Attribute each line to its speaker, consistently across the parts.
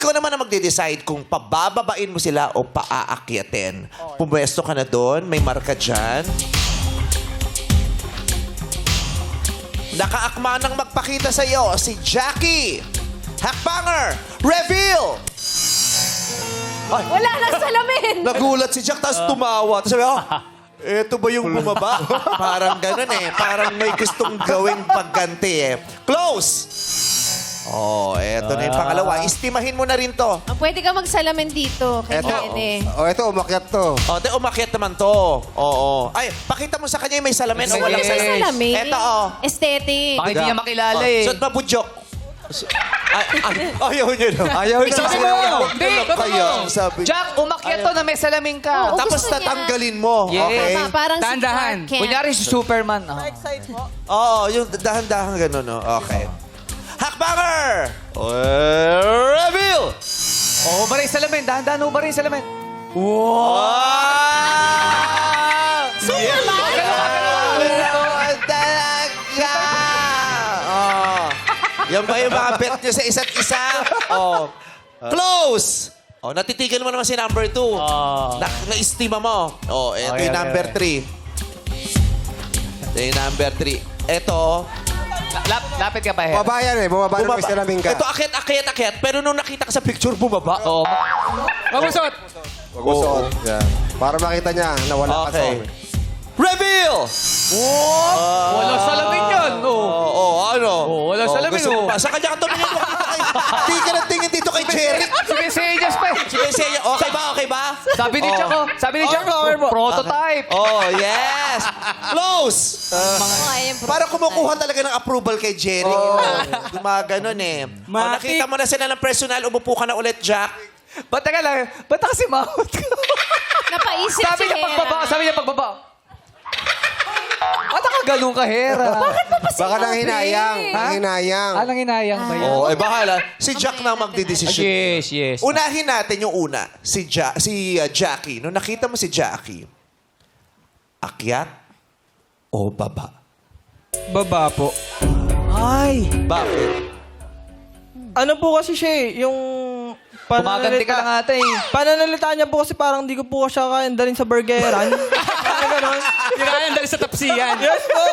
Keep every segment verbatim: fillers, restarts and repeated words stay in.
Speaker 1: ikaw naman ang magde-decide kung pabababain mo sila o paaakyatin. Pumwesto ka na doon, may marka dyan. Nakaakma nang magpakita sa iyo si Jackie. Hakbanger, reveal! Ay,
Speaker 2: Wala nang salamin!
Speaker 1: nagulat si Jack, tapos tumawa. Tapos sabi, oh, eto ba yung bumaba? Parang ganun eh. Parang may gustong gawing pagganti eh. Close! Oh, eto na yung pangalawa. Istimahin mo na rin to.
Speaker 2: Ah, pwede ka magsalamin dito kay
Speaker 3: Eto,
Speaker 2: Nene.
Speaker 3: oh, ito, umakyat to.
Speaker 1: Oh, de, umakyat naman to. Oo. Ay, pakita mo sa kanya yung may salamin o
Speaker 2: Wala
Speaker 1: walang
Speaker 2: sa
Speaker 1: salamin.
Speaker 2: salamin.
Speaker 1: Eto, oh.
Speaker 2: Aesthetic.
Speaker 4: Bakit hindi niya makilala eh?
Speaker 1: Suot mabudyok. Ay, ay, ayaw niya na.
Speaker 3: Ayaw na
Speaker 4: Sabi
Speaker 3: siya.
Speaker 4: mo! Hindi!
Speaker 1: Kaya, sabi.
Speaker 4: Jack, umakyat to na may salamin ka.
Speaker 2: Oo.
Speaker 1: Tapos
Speaker 2: gusto niya.
Speaker 1: tatanggalin mo.
Speaker 4: Yes.
Speaker 1: Okay?
Speaker 2: Tama, parang
Speaker 4: Dahan-dahan.
Speaker 2: si Clark Kent.
Speaker 4: Kunyari si Superman. Oh.
Speaker 1: Oo, yung dahan-dahan gano'n, no? Okay. Hakbanger! Reveal!
Speaker 4: Oh, ba rin salamin? Dahan-dahan ba rin salamin?
Speaker 1: Wow!
Speaker 2: Superman?
Speaker 1: Wow, talaga! Oh. Yan ba yung mga bet nyo sa isa't isa? Oh. Close! Oh, natitigan mo naman si number two. Na, na-estima mo. Oh, ito
Speaker 4: Okay,
Speaker 1: yung
Speaker 4: okay,
Speaker 1: number
Speaker 4: okay.
Speaker 1: three. Ito yung number three. Ito,
Speaker 4: Lap, lapit ka pa, Her.
Speaker 3: Bumaba yan eh. Bumaba na may salamin ka.
Speaker 1: Ito, akyat, akyat, akyat. Pero nung nakita ka sa picture, bumaba.
Speaker 4: Oo. Mamusot!
Speaker 3: Huwag mo suot. Yan. Para makita niya na wala ka
Speaker 1: Okay.
Speaker 3: suot.
Speaker 1: Reveal!
Speaker 4: Wala salamin yan.
Speaker 1: Oo,
Speaker 4: Oh.
Speaker 1: oh, ano?
Speaker 4: Oo, wala salamin,
Speaker 1: gusto mo
Speaker 4: oh.
Speaker 1: pa. Sa kanya ka tumingin mo. Hindi ka na tingin dito kay Jerry.
Speaker 4: Sige, sige, just pa.
Speaker 1: Sige, sige. Okay ba? Okay ba?
Speaker 4: Sabi ni Jack, oh. Sabi ni Jack, prototype.
Speaker 1: Oh, yes. Close.
Speaker 2: Oh, ayun,
Speaker 1: Para kumukuha talaga ng approval kay Jerry. Oh. Gumaganon eh. Oh, nakita mo na sila ng personal. Umupo ka na ulit, Jack.
Speaker 4: Ba't teka lang? Ba't kasi mahot ka?
Speaker 2: Napaisip
Speaker 4: Sabi
Speaker 2: si
Speaker 4: niya
Speaker 2: Hera.
Speaker 4: pagbaba. Sabi niya pagbaba. Ba't nakagalong ka, Hera? Bakit pa
Speaker 3: Baka nang hinayang.
Speaker 4: Ha?
Speaker 3: Nang hinayang.
Speaker 4: Alang hinayang ba yan?
Speaker 1: Oh, eh bahala. Si Jack na ang magdidesisyon.
Speaker 4: Yes, yes.
Speaker 1: Unahin natin yung una. Si, ja- si uh, Jackie. Nung nakita mo si Jackie, akyat o baba?
Speaker 5: Baba po.
Speaker 4: Ay!
Speaker 1: Bakit?
Speaker 5: Ano po kasi siya eh, yung...
Speaker 4: Kumaganti ka lang ata eh.
Speaker 5: Pananalita niya po kasi parang di ko po siya kaya dalhin sa burgeran. Parang ganon.
Speaker 4: Kinayan dali sa tapsiyan.
Speaker 5: Yes po!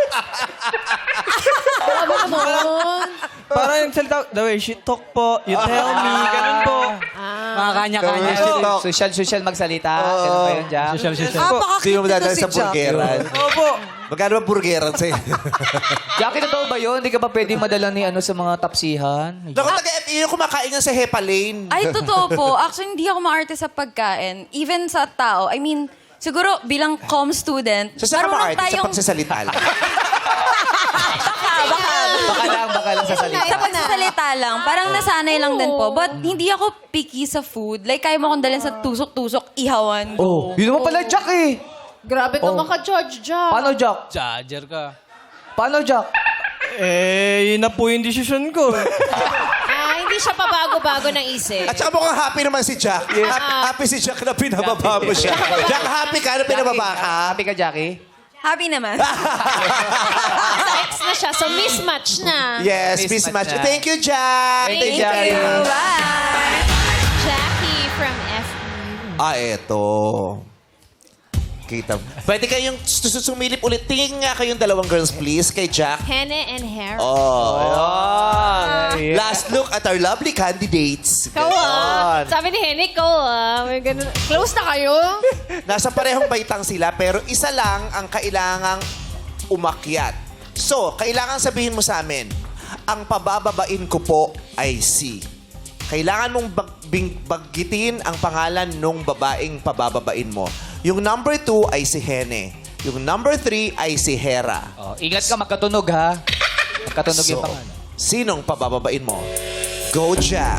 Speaker 2: Baba naman.
Speaker 5: Parang yung salita, the way she talk po, you tell me, ganun po.
Speaker 4: Mga kanya-kanya.
Speaker 3: Oh.
Speaker 4: Social, social magsalita. Ganun ba yun, Jack? Social, social.
Speaker 1: Hindi mo dadalhin sa burgeran.
Speaker 5: Opo.
Speaker 1: Magkano ba burgeran sa'yo?
Speaker 4: Jackie, totoo ba yun? Hindi ka ba pwede madala ni ano sa mga tapsihan?
Speaker 1: Naku, taga-F E U kumakain yan sa Hepa Lane.
Speaker 6: Ay, totoo po. Actually, hindi ako maarte sa pagkain. Even sa tao. I mean, siguro bilang com student,
Speaker 1: So, saan ka
Speaker 6: marunong
Speaker 1: ma-artist sa pagsasalita lang?
Speaker 6: baka, baka,
Speaker 4: Baka lang, baka lang sa salita.
Speaker 6: sa pagsasalita lang. Parang nasanay lang din po. But hindi ako picky sa food. Like, kaya mo akong dalhin sa tusok-tusok, ihawan.
Speaker 4: Oh, yun naman pala, Jack eh.
Speaker 2: Grabe ka maka-judge, Jack.
Speaker 4: Paano, Jack?
Speaker 7: Charger ka.
Speaker 4: Paano, Jack?
Speaker 5: Eh, yun na po yung desisyon ko.
Speaker 2: Ah, hindi siya pabago-bago ng isip.
Speaker 1: At saka mukhang happy naman si Jack. Ha- Happy si Jack na pinababa mo siya. Jack, happy ka na pinababa ka?
Speaker 4: Happy ka, Jackie?
Speaker 6: Happy naman.
Speaker 2: Sa ex na siya, so mismatch na.
Speaker 1: Yes,
Speaker 4: Mismatch
Speaker 1: mismatch.
Speaker 4: na.
Speaker 1: Thank you, Jack.
Speaker 4: Thank you,
Speaker 2: Thank
Speaker 4: Jackie.
Speaker 2: you.
Speaker 6: Bye!
Speaker 2: Jackie from F E U.
Speaker 1: Ah, eto. Kita. Pwede kayong sus- sumilip ulit. Tingin nga kayong dalawang girls, please, kay Jack.
Speaker 2: Hene and Hera.
Speaker 1: Oh, ayan. Last look at our lovely candidates.
Speaker 2: Ikaw ah.
Speaker 1: Ganon.
Speaker 2: Sabi ni Hene, ikaw ah. May ganun. Close na kayo?
Speaker 1: Nasa parehong baitang sila, pero isa lang ang kailangang umakyat. So, kailangan sabihin mo sa amin, ang pabababain ko po ay si. Kailangan mong bag- bing- baggitin ang pangalan nung babaeng pabababain mo. Yung number two ay si Hene. Yung number three ay si Hera.
Speaker 4: Oh, ingat ka, magkatunog ha. Magkatunog yung
Speaker 1: So,
Speaker 4: pangalan.
Speaker 1: sinong pabababain mo? Go, Jack.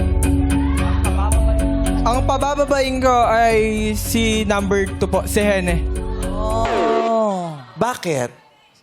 Speaker 5: Ang pabababain ko ay si number two po, si Hene.
Speaker 1: Bakit?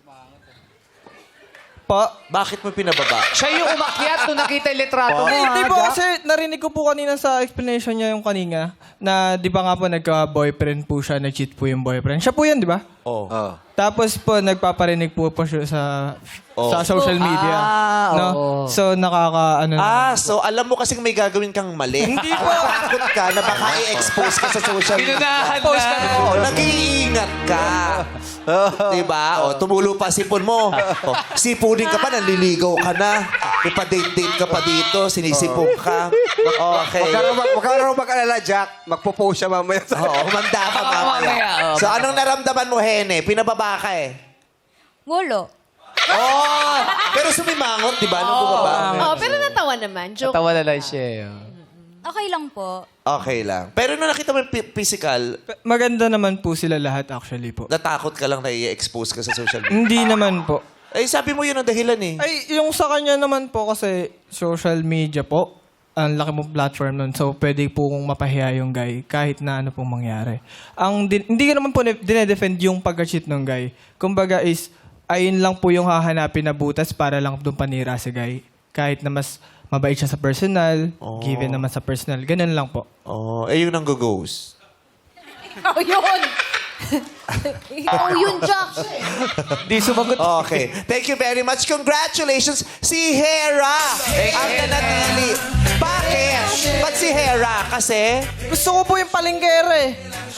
Speaker 5: Po.
Speaker 1: Bakit mo pinababa?
Speaker 4: Siya yung umakyat nung nakita yung litrato mo,
Speaker 5: Eh,
Speaker 4: ha,
Speaker 5: di po
Speaker 4: Jack?
Speaker 5: kasi narinig ko po kanina sa explanation niya yung kanina na di ba nga po nagka-boyfriend po siya, nag-cheat po yung boyfriend. Siya po yan, di ba?
Speaker 1: Oh.
Speaker 3: Oh.
Speaker 5: Tapos po nagpaparinig po po siya sa
Speaker 1: Oh.
Speaker 5: sa social media.
Speaker 4: Ah,
Speaker 5: no?
Speaker 4: oo.
Speaker 5: So, nakaka, ano
Speaker 1: Ah, so alam mo kasing may gagawin kang mali.
Speaker 5: Hindi po.
Speaker 1: Takot ka na baka i-expose ka sa social media.
Speaker 4: Pinunahan
Speaker 5: Post ka
Speaker 4: na.
Speaker 1: Oo, nag-iingat ka. Diba? O, tumulo pa sipon mo. O, sipunin ka pa, nanliligaw ka na. Ipa-date-date ka pa dito, sinisipong ka. Okay.
Speaker 3: Huwag ka raw mag- huwag ka raw mag-alala, Jack. Magpo-post siya mamaya.
Speaker 1: Oo, humanda ka
Speaker 4: Mamaya,
Speaker 1: mamaya.
Speaker 4: oo.
Speaker 1: So, anong naramdaman mo, Hene? Pinababa ka eh.
Speaker 6: Wolo.
Speaker 1: Oh, pero sumimangot, di ba? Nung bumaba.
Speaker 2: Oh, pero natawa naman. Joke.
Speaker 4: Tawa na lang siya. eh.
Speaker 6: Okay lang po.
Speaker 1: Okay lang. Pero nung nakita mo yung pi- physical,
Speaker 5: Maganda naman po sila lahat actually po.
Speaker 1: natakot ka lang na i-expose ka sa social media.
Speaker 5: Hindi naman po.
Speaker 1: Eh, sabi mo yun ang dahilan eh.
Speaker 5: Ay, yung sa kanya naman po kasi social media po, ang laki mong platform nun. So, pwede po kong mapahiya yung guy kahit na ano pong mangyari. Ang din- hindi ko naman po ne- dinedefend yung pag-cheat ng guy. Kumbaga is, ayun lang po yung hahanapin na butas para lang doon panira si guy. Kahit na mas mabait siya sa personal, given naman sa personal. Ganun lang po.
Speaker 1: Oh, eh yun ang go-goes.
Speaker 2: Oh, yun! oh, yun, Jack!
Speaker 4: Di sumagot.
Speaker 1: Okay. Thank you very much. Congratulations, si Hera ang nanatili. Bakit? Ba't si Hera? Kasi?
Speaker 5: Gusto ko po yung palinggere.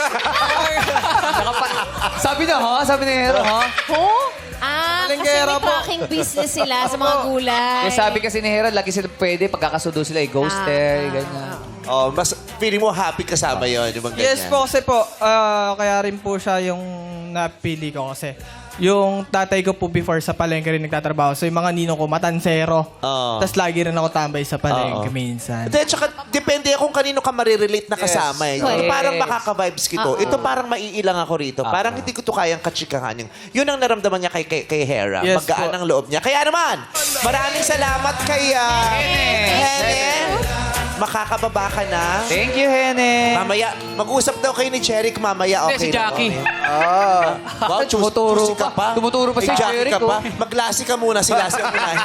Speaker 4: Sabi na, ha? Sabi ni Hero, ha?
Speaker 2: Oh? Ah, kasi
Speaker 5: Palinggera
Speaker 2: may
Speaker 5: po.
Speaker 2: packing business sila sa mga gulay.
Speaker 4: Yung sabi kasi ni Hero, lagi sila pwede, pagkakasundo sila, i-ghoster, ganyan.
Speaker 1: Oh, mas feeling mo happy kasama yon yung mga ganyan.
Speaker 5: Yes po kasi po, ah, kaya rin po siya yung napili ko kasi. Yung tatay ko po before sa palengke rin nagtatrabaho. So yung mga ninong ko, matansero.
Speaker 1: Oo.
Speaker 5: Tapos lagi rin ako tambay sa palengke
Speaker 1: Oo.
Speaker 5: minsan.
Speaker 1: Then, tsaka, depende kung kanino ka marirelate na kasama. Eh. Ito
Speaker 2: Yes.
Speaker 1: parang makaka-vibes kito. Ito parang maiilang ako rito. Parang hindi ko to kayang katsikahan. Yung, yun ang naramdaman niya kay, kay, kay Hera.
Speaker 5: Yes
Speaker 1: Magaan
Speaker 5: po.
Speaker 1: ang loob niya. Kaya naman, maraming salamat kay uh, Hene. Makakababa ka na.
Speaker 4: Thank you, Hene.
Speaker 1: Mamaya, mag-usap daw kayo ni Jeric mamaya. Okay
Speaker 4: si
Speaker 1: na,
Speaker 4: Jackie.
Speaker 1: okay. Wow, chus-
Speaker 4: Tumuturo
Speaker 1: chusi ka
Speaker 4: pa. Tumuturo pa
Speaker 1: May
Speaker 4: si
Speaker 1: Jackie
Speaker 4: Jeric,
Speaker 1: ka pa.
Speaker 4: oh.
Speaker 1: Maglasi ka muna, si Lassie ang unahin.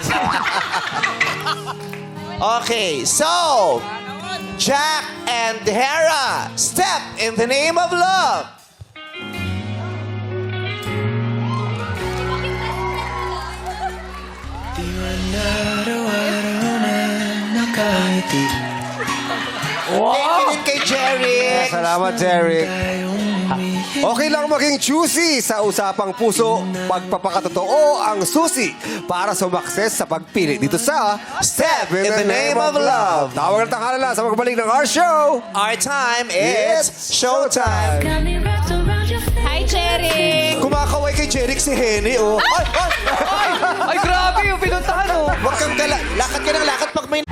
Speaker 1: Okay, so, Jack and Hera, step in the name of love. Thank you din kay Jeric.
Speaker 3: Salamat, Jeric. Okay lang maging choosy sa usapang puso. Pagpapakatotoo ang susi para sumakses sa pagpili dito sa
Speaker 1: Step in the name of love.
Speaker 3: Tawag ng tanghala sa magbalik ng our show.
Speaker 1: Our time is showtime.
Speaker 2: Hi, Cherry!
Speaker 1: Kumakaway kay Jeric si Henny, oh. Ay, ay, ay!
Speaker 4: Ay, grabe yung pinuntahan, oh.
Speaker 1: Huwag kang gala. Lakad ka ng lakad pag may